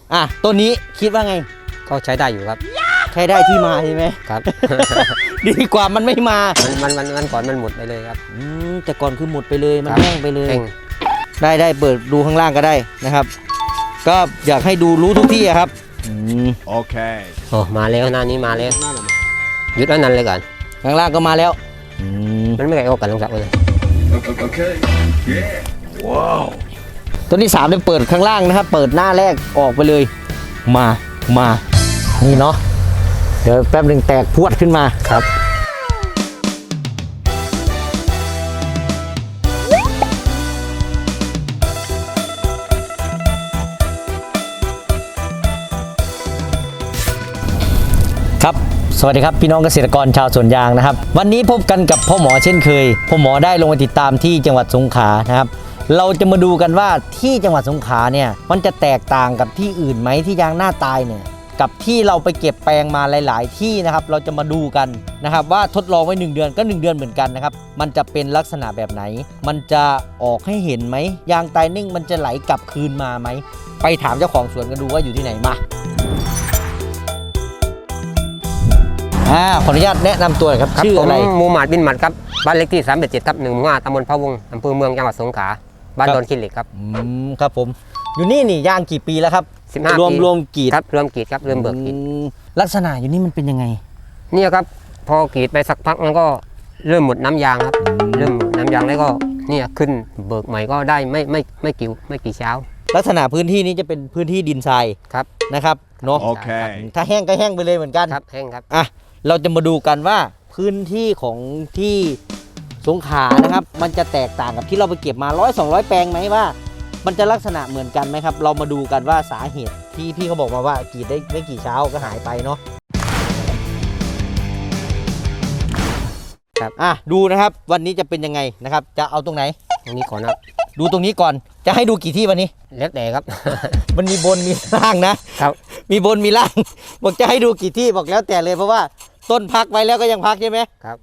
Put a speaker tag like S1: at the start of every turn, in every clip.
S1: ต้นนี้คิดว่าไง
S2: ก็ใช้ได้อยู่ครับ
S1: ใช้ได้ที่มาใช่ไหม
S2: ครับ
S1: ดีกว่ามันไม่มา
S2: มันก่อนมันหมดไปเลยครับ
S1: แต่ก่อนคือหมดไปเลยมันแห้งไปเลย
S2: แห้ง
S1: ได้เปิดดูข้างล่างก็ได้นะครับก็อยากให้ดูรู้ทุกที่ครับ
S3: โอเค
S2: โอ้มาแล้วหน้านี้มาแล้วหยุดอันนั้นเลยก่อน
S1: ข้างล่างก็มาแล้ว
S2: มันไม่ไกลออกกันลงจากเลย
S3: โอเคว้าว
S1: ต้นที่3เนี่ยเปิดข้างล่างนะครับเปิดหน้าแรกออกไปเลยมานี่เนาะเดี๋ยวแป๊บหนึ่งแตกพวดขึ้นมา
S2: ครับ
S1: ครับสวัสดีครับพี่น้องเกษตรกรชาวสวนยางนะครับวันนี้พบกันกับพ่อหมอเช่นเคยพ่อหมอได้ลงมาติดตามที่จังหวัดสงขลานะครับเราจะมาดูกันว่าที่จังหวัดสงขลาเนี่ยมันจะแตกต่างกับที่อื่นไหมที่ยางหน้าตายเนี่ยกับที่เราไปเก็บแปลงมาหลายๆที่นะครับเราจะมาดูกันนะครับว่าทดลองไว้1 เดือนก็1 เดือนเหมือนกันนะครับมันจะเป็นลักษณะแบบไหนมันจะออกให้เห็นไหมยางตายนิ่งมันจะไหลกลับคืนมาไหมไปถามเจ้าของสวนกันดูว่าอยู่ที่ไหนมาขออนุญาตแนะนำตัวหน่อยครับชื่ออะไร
S2: มูหมัดบินหมัดครับบ้านเลขที่387 ทับ 1 หมู่ 5 ตำบลพะวงอำเภอเมืองจังหวัดสงขลาบ้านดอนขี้เหล็กครับ
S1: ครับผมอยู่นี่ย่างกี่ปีแล้วครับ
S2: 15 ปี
S1: รวมกรีด
S2: ครับรวมกรีดครับเริ่มเบิกกรีด
S1: ลักษณะอยู่นี่มันเป็นยังไง
S2: เนี่ยครับพอกรีดไปสักพักมันก็เริ่มหมดน้ำยางครับเริ่มหมดน้ำยางแล้วก็เนี่ยขึ้นเบิกใหม่ก็ได้ไม่กี่เช้า
S1: ลักษณะพื้นที่นี้จะเป็นพื้นที่ดินทราย
S2: ครับ
S1: นะครับเนาะ
S3: โอเค
S1: ถ้าแห้งก็แห้งไปเลยเหมือนกัน
S2: ครับแห้งครับ
S1: เราจะมาดูกันว่าพื้นที่ของที่สงขลานะครับมันจะแตกต่างกับที่เราไปเก็บมา100-200 แปลงไหมว่ามันจะลักษณะเหมือนกันไหมครับเรามาดูกันว่าสาเหตุที่พี่เขาบอกมาว่ากรีดได้ไม่กี่เช้าก็หายไปเนาะ
S2: ครับ
S1: ดูนะครับวันนี้จะเป็นยังไงนะครับจะเอาตรงไหน
S2: ตรงนี้ก่อนครับ
S1: ดูตรงนี้ก่อนจะให้ดูกี่ที่วันนี้
S2: แล้วแต่ครับ
S1: มันมีบนมีล่างนะครับมีบนมีล่างบอกจะให้ดูกี่ที่บอกแล้วแต่เลยเพราะว่าต้นพักไว้แล้วก็ยังพักใช่ไหม
S2: ครับ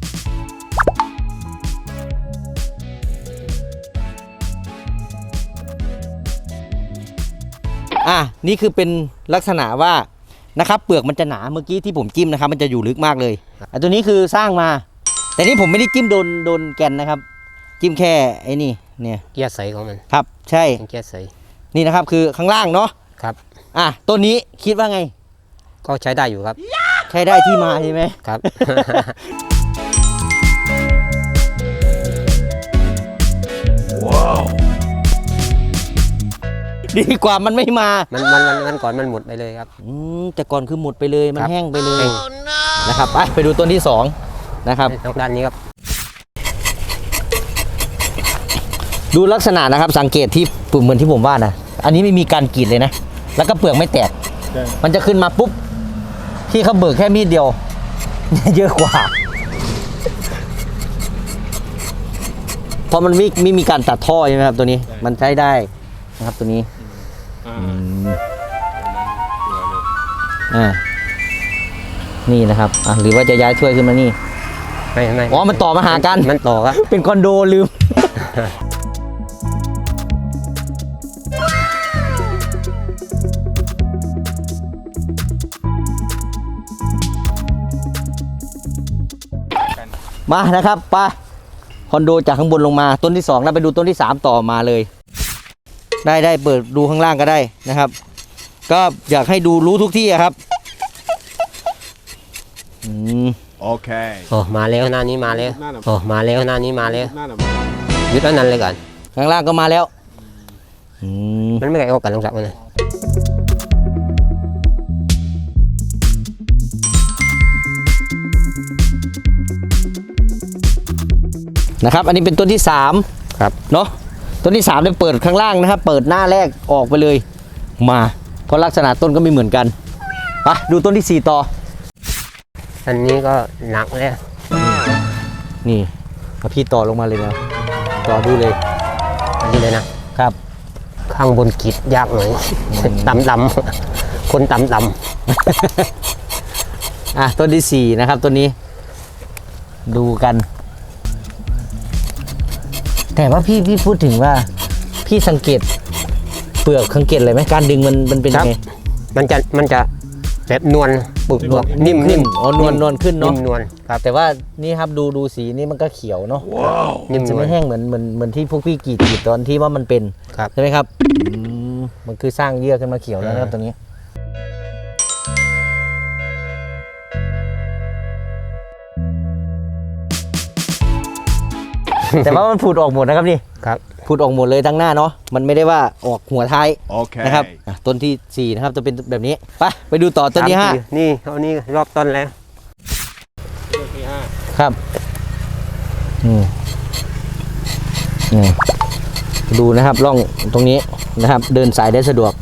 S1: นี่คือเป็นลักษณะว่านะครับเปลือกมันจะหนาเมื่อกี้ที่ผมจิ้มนะครับมันจะอยู่ลึกมากเลยตัวนี้คือสร้างมาแต่นี่ผมไม่ได้จิ้มโดนแกนนะครับจิ้มแค่ไอ้นี่เนี่ย
S2: เกียร์ใสของมัน
S1: ครับใช่
S2: เกียร์ใส
S1: นี่นะครับคือข้างล่างเนาะ
S2: ครับ
S1: ตัวนี้คิดว่าไง
S2: ก็ใช้ได้อยู่ครับ
S1: ใช้ได้ที่มาใช่ไหม
S2: ครับ
S3: ว้าว
S1: ดีกว่ามันไม่มา
S2: มันก่อนมันหมดไปเลยครับ
S1: แต่ก่อนคือหมดไปเลยมันแห้งไปเลยนะครับไปดูต้นที่2นะครับ
S2: ด้านนี้ครับ
S1: ดูลักษณะนะครับสังเกตที่เหมือนที่ผมว่านะอันนี้ไม่มีการกรีดเลยนะแล้วก็เปลือกไม่แตกมันจะขึ้นมาปุ๊บที่เขาเบิกแค่มีดเดียวเยอะกว่าเพราะมันไม่มีการตัดท่อใช่ไหมครับตัวนี้มันใช้ได้นะครับตัวนี้นี่นะครับหรือว่าจะย้ายถ้วยขึ้นมานี่
S2: ไม่
S1: มันต่อมาหากัน
S2: มันต่อครับ
S1: เป็นคอนโดลืมมานะครับไปคอนโดจากข้างบนลงมาต้นที่2แล้วไปดูต้นที่3ต่อมาเลยได้เปิดดูข้างล่างก็ได้นะครับก็อยากให้ดูรู้ทุกที่ครับ
S3: โอเค
S2: โอ้มาแล้วหน้านี้มาแล้วโอ้มาแล้วหน้านี้มาแล้วหยุดอันนั้นเลยก่อน
S1: ข้างล่างก็มาแล้ว
S2: มันไม่ไกลออกกันลงจากเลย
S1: นะครับอันนี้เป็นต้นที่3
S2: ครับ
S1: เนาะต้นที่3เนี่ยเปิดข้างล่างนะครับเปิดหน้าแรกออกไปเลยมาเพราะลักษณะต้นก็ไม่เหมือนกันไปดูต้นที่4ต่อ
S2: อันนี้ก็หนักเลย
S1: นี่พี่ต่อลงมาเลยนะต่อดูเลย
S2: อันนี้เลยนะครับข้างบนกรีดยากหน่อยดำคนดำ
S1: ต้นที่4นะครับต้นนี้ดูกันแต่ว่าพี่พูดถึงว่าพี่สังเกตเปลือกสังเกตเลยไหมการดึงมันเป็นยังไง
S2: มันจะแบบนวลปุบๆนิ่ม
S1: ขึ้นอ๋อนวลขึ้น
S2: นิ่
S1: เนาะ
S2: มนวลครับ
S1: แต่ว่านี่ครับดูสีนี่มันก็เขียวเนาะ
S2: นิ่ม
S1: จะ
S2: นว
S1: ไม่
S2: ล
S1: แห้งเหมือนที่พวกพี่กรีดตอนที่ว่ามันเป็น
S2: ครับ
S1: ใช่ไหมครับมันคือสร้างเยื่อขึ้นมาเขียวแล้วนะครับตัวนี้ แต่ว่ามันผุดออกหมดนะครับนี่
S2: ครับ
S1: ผุดออกหมดเลยทั้งหน้าเนาะมันไม่ได้ว่าออกหัวท้าย
S3: Okay.
S1: นะครับต้นที่ 4 นะครับจะเป็นแบบนี้ไปดูต่อต้นที่
S2: นี่เอานี่รอบต้นแล้วต้นที่
S1: 5 ครับดูนะครับร่องตรงนี้นะครับ เดินสายได้สะดวก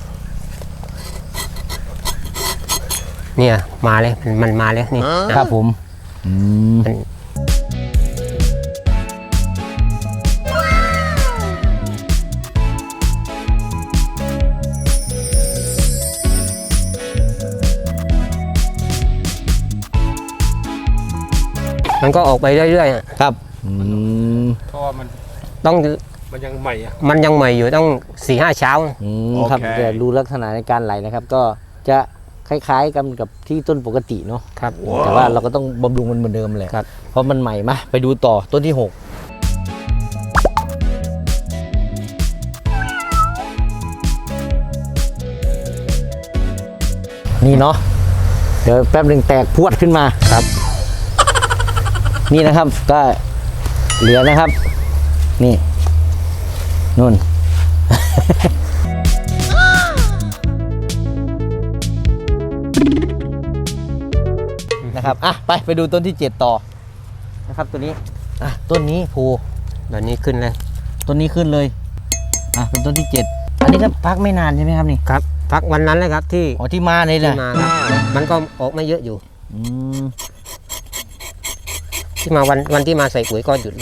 S2: 5เนี่ยมาเลยมันมาแล้วนี่
S1: ครับผม
S2: มันก็ออกไปเรื่อยๆอะ
S1: ครับ
S4: เพราะว่ามัน
S2: ต้อง
S4: ยังใหม่อะ
S2: มันยังใหม่อยู่ต้อง 4-5 เช้า
S1: ครับ
S3: โอเค
S1: แต่ดูลักษณะในการไหลนะครับ ก็จะคล้ายๆกันกับที่ต้นปกติเนาะ
S2: ครับ
S1: แต่ว่าเราก็ต้องบำรุงมันเหมือนเดิมเลย
S2: ครับ
S1: เพราะมันใหม่มาไปดูต่อต้นที่ 6 นี่เนาะเดี๋ยวแป๊บหนึ่งแตกพรวดขึ้นมา
S2: ครับ
S1: นี่นะครับก็เหลือนะครับ นี่นู่น นะครับไปดูต้นที่ 7 ต่อนะครับตัวนี้ต้นนี้ภู
S2: แบบนี้ขึ้นเลย
S1: ต้นนี้ขึ้นเลยเป็นต้นที่ 7 อันนี้ก็พักไม่นานใช่ไหมครับนี่
S2: ครับพักวันนั้นเลยครับที่
S1: อ๋อที่มาเลย
S2: ที่
S1: นะ
S2: มาครับมันก็ออกไม่เยอะอยู่
S1: อืม
S2: ที่มาวันที่มาใส่ปุ๋ยก็หยุดเลย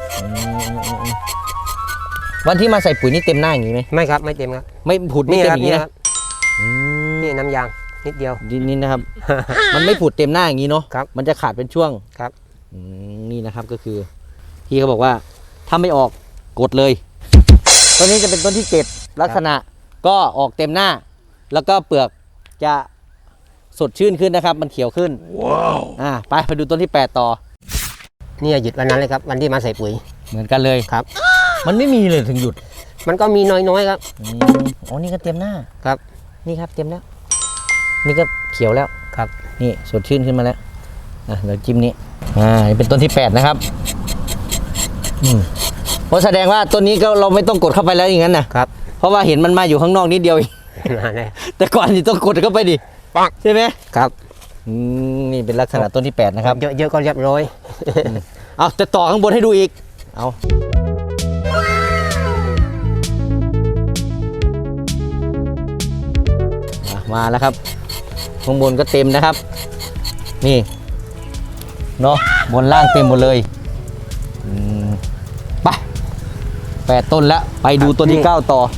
S1: วันที่มาใส่ปุ๋ยนี่เต็มหน้าอย่างนี้ไหม
S2: ไม่ครับไม่เต็มครับ
S1: ไม่ผุดไม่
S2: นี่
S1: เต็
S2: ค
S1: ม
S2: รับ
S1: อย่าง
S2: นี่
S1: นี้
S2: ค
S1: นะ
S2: รับนี่น้ำยางนิดเดียว
S1: นี่นะครับ มันไม่ผุดเต็มหน้าอย่างนี้เนาะ
S2: ครับ
S1: มันจะขาดเป็นช่วง
S2: ครับ
S1: นี่นะครับก็คือพี่เขาบอกว่าถ้าไม่ออกกดเลยต้นนี้จะเป็นต้นที่ 7 ลักษณะก็ออกเต็มหน้า แล้วก็เปลือกจะสดชื่นขึ้นนะครับ มันเขียวขึ้น
S3: Wow.
S1: ไปดูต้นที่ 8 ต่อ
S2: เนี่ยหยุดวันนั้นเลยครับวันที่มาใส่ปุ๋ย
S1: เหมือนกันเลย
S2: ครับ
S1: มันไม่มีเลยถึงหยุด
S2: มันก็มีน้อยๆครับ
S1: อ๋อนี่ก็เต็มหน้า
S2: ครับ
S1: นี่ครับเต็มแล้ว นี่ก็เขียวแล้ว
S2: ครับ
S1: นี่สดชื่นขึ้นมาแล้วเดี๋ยวจิ้มนี้นี่เป็นต้นที่ 8 นะครับเพราะแสดงว่าต้นนี้ก็เราไม่ต้องกดเข้าไปแล้วอย่างนั้นนะครับ เพราะว่าเห็นมันมาอยู่ข้างนอกนิดเดียวเอง
S2: มาเลย
S1: แต่ก่อนนี่ต้องกดเข้าไปดิ
S2: ปัง
S1: ใช่ไหม
S2: ครับ
S1: นี่เป็นลักษณะต้นที่ 8 นะครับ
S2: เยอะๆก็เรียบร้อย
S1: เอาจะต่อข้างบนให้ดูอีกเอามาแล้วครับข้างบนก็เต็มนะครับ นี่เนาะบนล่างเต็มหมดเลยไป8 ต้นแล้วไปดูต้นที่ 9 ต่อ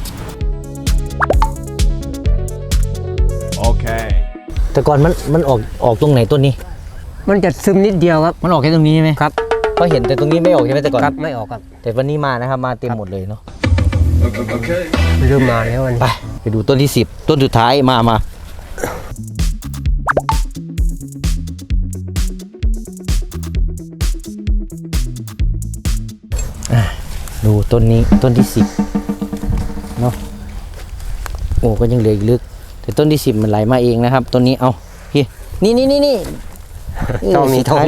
S3: Okay.
S1: แต่ก่อนมันออกตรงไหนต้นนี้
S2: มันจะซึมนิดเดียวครับ
S1: มันออกแค่ตรงนี้ใช่ไหม
S2: ครับ
S1: เพราะเห็นแต่ตรงนี้ไม่ออกใช่ไหมแต่ก่อน
S2: ครับไม่ออกครับ
S1: แต่วันนี้มานะครับมาเต็มหมดเลยเนาะ
S3: Okay.
S2: เริ่มมาแล้ววัน
S1: ไปดูต้นที่ 10 ต้นสุดท้ายมาดูต้นนี้ต้นที่ 10เนาะโอ้ก็ยังเหลืออีกลึก แต่ต้นที่ 10 มันไหลมาเองนะครับต้นนี้เอาพี่นี่
S2: ต้องมีทง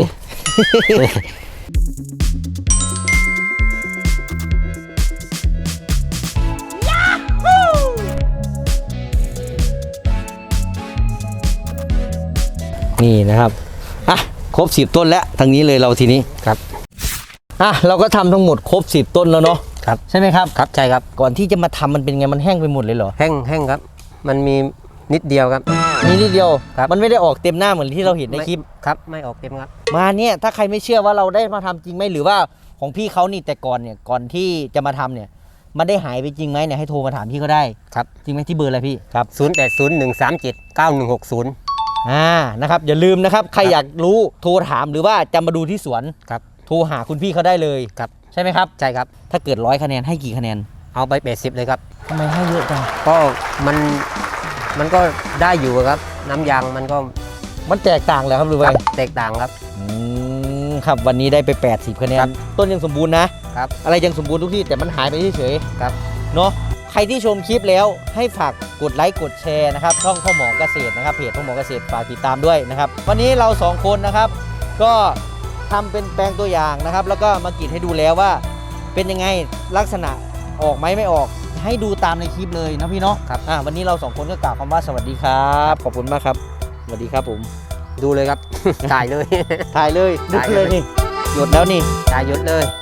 S1: นี่นะครับครบ 10 ต้นแล้วทางนี้เลยเราทีนี้
S2: ครับ
S1: เราก็ทำทั้งหมดครบ 10 ต้นแล้วเนาะ
S2: ครับ
S1: ใช่ไหมครับ
S2: ครับใช่ครับ
S1: ก่อนที่จะมาทำมันเป็นไงมันแห้งไปหมดเลยเหรอ
S2: แห้งครับ มันมีนิดเดียวครับ
S1: มีนิดเดียว
S2: ครับ
S1: มันไม่ได้ออกเต็มหน้าเหมือนที่เราเห็นในคลิป
S2: ครับไม่ออกเต็มครับ
S1: มาเนี่ยถ้าใครไม่เชื่อว่าเราได้มาทำจริงไหมหรือว่าของพี่เขานี่แต่ก่อนเนี่ยก่อนที่จะมาทำเนี่ยมันได้หายไปจริงไหมเนี่ยให้โทรมาถามพี่เขาได้
S2: ครับ
S1: จริงไหมที่เบอร์อะไรพี่ครับ
S2: 0801379160
S1: นะครับอย่าลืมนะครับใครอยากรู้โทรถามหรือว่าจะมาดูที่สวน
S2: ครับ
S1: โทรหาคุณพี่เขาได้เลย
S2: ครับ
S1: ใช่ไหมครับ
S2: ใช่ครับ
S1: ถ้าเกิด100 คะแนนให้กี่คะแนน
S2: เอาไป80เลยครับ
S1: ทำไมให้เยอะจัง
S2: ก็มันก็ได้อยู่ครับ น้ำยางมันก็
S1: มันแตกต่างเลยครับหรือ
S2: ค
S1: ไง
S2: รับแตกต่างครับ
S1: ครับวันนี้ได้ไป80คะแน
S2: ครั
S1: น
S2: บ
S1: ต้นยังสมบูรณ์นะครับ อะไรยังสมบูรณ์ทุกที่แต่มันหายไปเฉย
S2: ครับ
S1: ๆเนาะใครที่ชมคลิปแล้วให้ฝากกดไลค์กดแชร์นะครับช่องพ่อหมอเกษตรนะครับเพจพ่อหมอเกษตรฝากติดตามด้วยนะครับวันนี้เราสองคนนะครับ ก็ทำเป็นแปลงตัวอย่างนะครับ แล้วก็มากรีดให้ดูแล้วว่า เป็นยังไงลักษณะออกไหมไม่ออก ให้ดูตามในคลิปเลยนะพี่เนาะ
S2: ครับ
S1: วันนี้เราสองคนก็กล่าวคำว่าสวัสดีครับขอบคุณมากครับสวัสดีครับผม
S2: ดูเลยครับ ถ่ายเลย
S1: ถ่ายเลยนึก
S2: ถ่าย
S1: เล
S2: เลย ย
S1: นี่หยดแล้วนี่
S2: ถ่ายหยุดเลย